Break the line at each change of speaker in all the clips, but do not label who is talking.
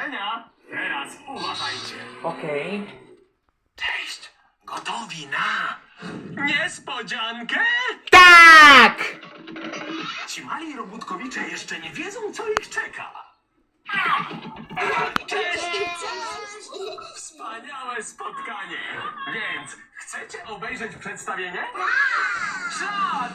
powodzenia! Teraz uważajcie.
Okej.
Cześć! Gotowi na niespodziankę?
Tak!
Ci mali robótkowicze jeszcze nie wiedzą, co ich czeka. Cześć! Wspaniałe spotkanie! Więc chcecie obejrzeć przedstawienie? Czad!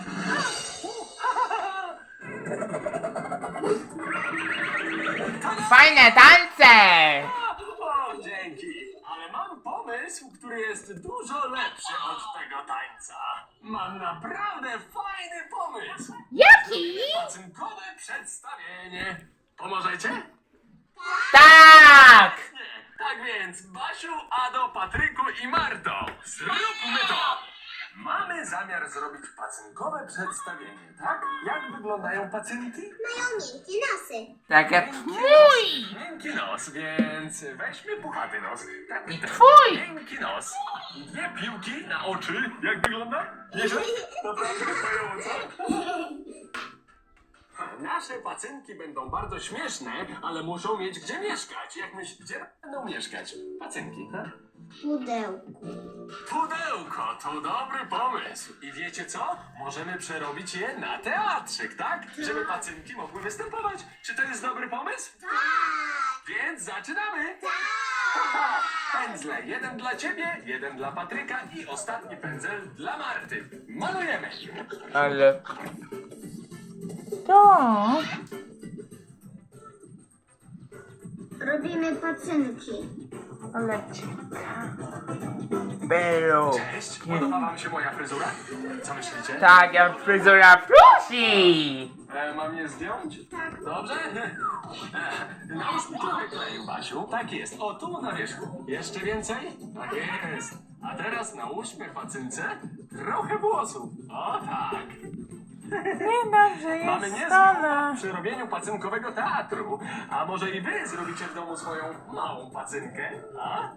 Fajne tańce!
O, dzięki! Ale mam pomysł, który jest dużo lepszy od tego tańca. Mam naprawdę fajny pomysł!
Jaki?
Pacynkowe przedstawienie. Pomożecie?
Tak!
Nie. Tak więc, Basiu, Ado, Patryku i Marto, zróbmy to! Mamy zamiar zrobić pacynkowe przedstawienie, tak? Jak wyglądają pacynki?
Mają miękkie nosy.
Tak jak
Miękki
mój!
nos, miękki nos, więc weźmy puchaty nos. Tak,
I twój!
miękki nos. Dwie piłki na oczy. Jak wygląda? Nieźle? Naprawdę fajowo, Nasze pacynki będą bardzo śmieszne, ale muszą mieć gdzie mieszkać. Jak myślisz, gdzie będą mieszkać? Pacynki, ha?
Pudełku.
Pudełko to dobry pomysł. I wiecie co? Możemy przerobić je na teatrzyk, tak? Żeby pacynki mogły występować. Czy to jest dobry pomysł?
Tak.
Więc zaczynamy! Pędzle, jeden dla ciebie, jeden dla Patryka i ostatni pędzel dla Marty. Malujemy!
Ale... To...
Robimy pacynki.
Ale ciekawe. Było.
Cześć, podoba wam się moja fryzura? Co myślicie?
Tak jak fryzura prosi!
Mam je zdjąć?
Tak.
Dobrze? Nałóż mi trochę kleju, Basiu. Tak jest, o tu na wierzchu. Jeszcze więcej? Tak jest. A teraz nałóżmy pacynce trochę włosów. O tak.
Niedobrze
Mamy
jest
niezły
stole.
przy robieniu pacynkowego teatru. A może i wy zrobicie w domu swoją małą pacynkę? A?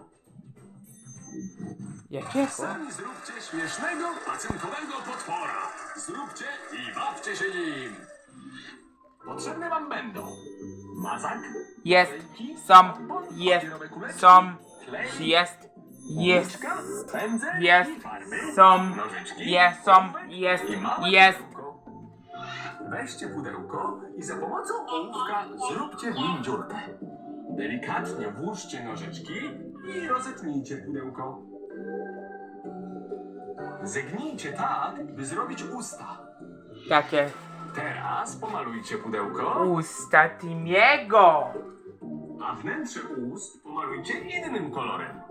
Jakiego?
Sami zróbcie śmiesznego pacynkowego potwora. Zróbcie i bawcie się nim. Potrzebne wam będą mazak,
Jest,
klejki,
są,
bon,
jest,
papierowe kuleczki,
są,
klej,
jest, jest,
łyczka, pędzel
jest,
i farby,
są,
nożyczki,
jest, są,
ołówek
jest,
i małe
jest.
pudełko. Weźcie pudełko i za pomocą ołówka zróbcie w nim dziurkę. Delikatnie włóżcie nożyczki i rozetnijcie pudełko. Zegnijcie tak, by zrobić usta.
Takie
Teraz pomalujcie pudełko,
usta Timiego.
a wnętrze ust pomalujcie innym kolorem.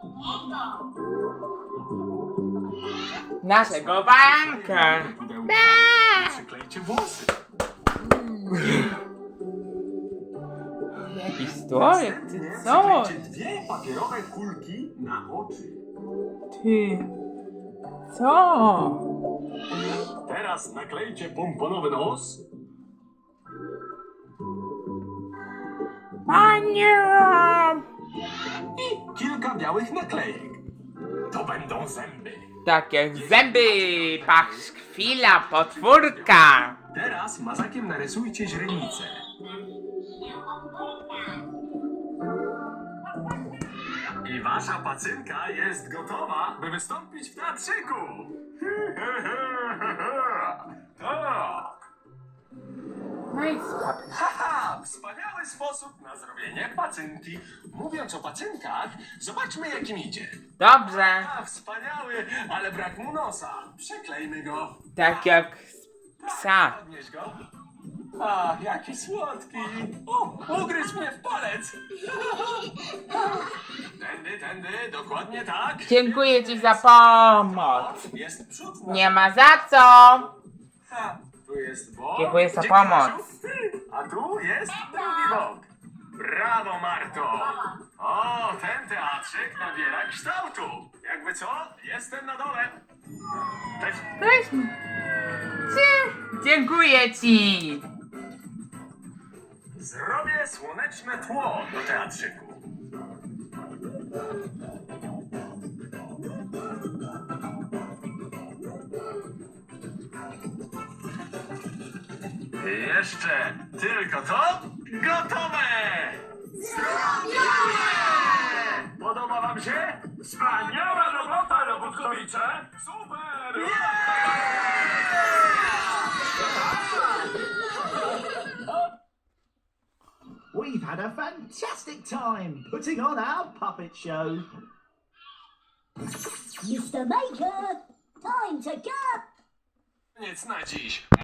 Naszego baranka.
Pudełko i przyklejcie włosy.
Jakiś stolek, ty
Następnie
co?
przyklejcie dwie papierowe kulki na oczy.
Ty, co?
Teraz naklejcie pomponowy nos.
Panie!
I kilka białych naklejek. To będą zęby.
Tak jak zęby, pachwila, potwórka.
Teraz mazakiem narysujcie źrenicę. I wasza pacynka jest gotowa, by wystąpić w teatrzyku. Tak.
Majska.
Haha, wspaniały sposób na zrobienie pacynki. Mówiąc o pacynkach, zobaczmy jak im idzie.
Dobrze,
A, wspaniały, ale brak mu nosa. Przeklejmy go.
tak jak psa.
Podnieś go. A, jaki słodki. O, ugryzł mnie w palec. Tędy, dokładnie tak.
Dziękuję ci za pomoc.
Jest przód.
Nie ma za co.
Ha, tu jest bok.
Dziękuję za
Dzięki,
pomoc.
Basiu. A tu jest drugi bok. Brawo, Marto. O, ten teatrzyk nabiera kształtu. Jakby co, jestem na dole. Cześć.
Cześć. Dziękuję ci.
Zrobię słoneczne tło do teatrzyku. Jeszcze tylko to gotowe! Podoba wam się? Wspaniała robota, robotkowicze! Super!
We've had a fantastic time putting on our puppet show.
Mr. Maker, time to go!
Koniec na dziś.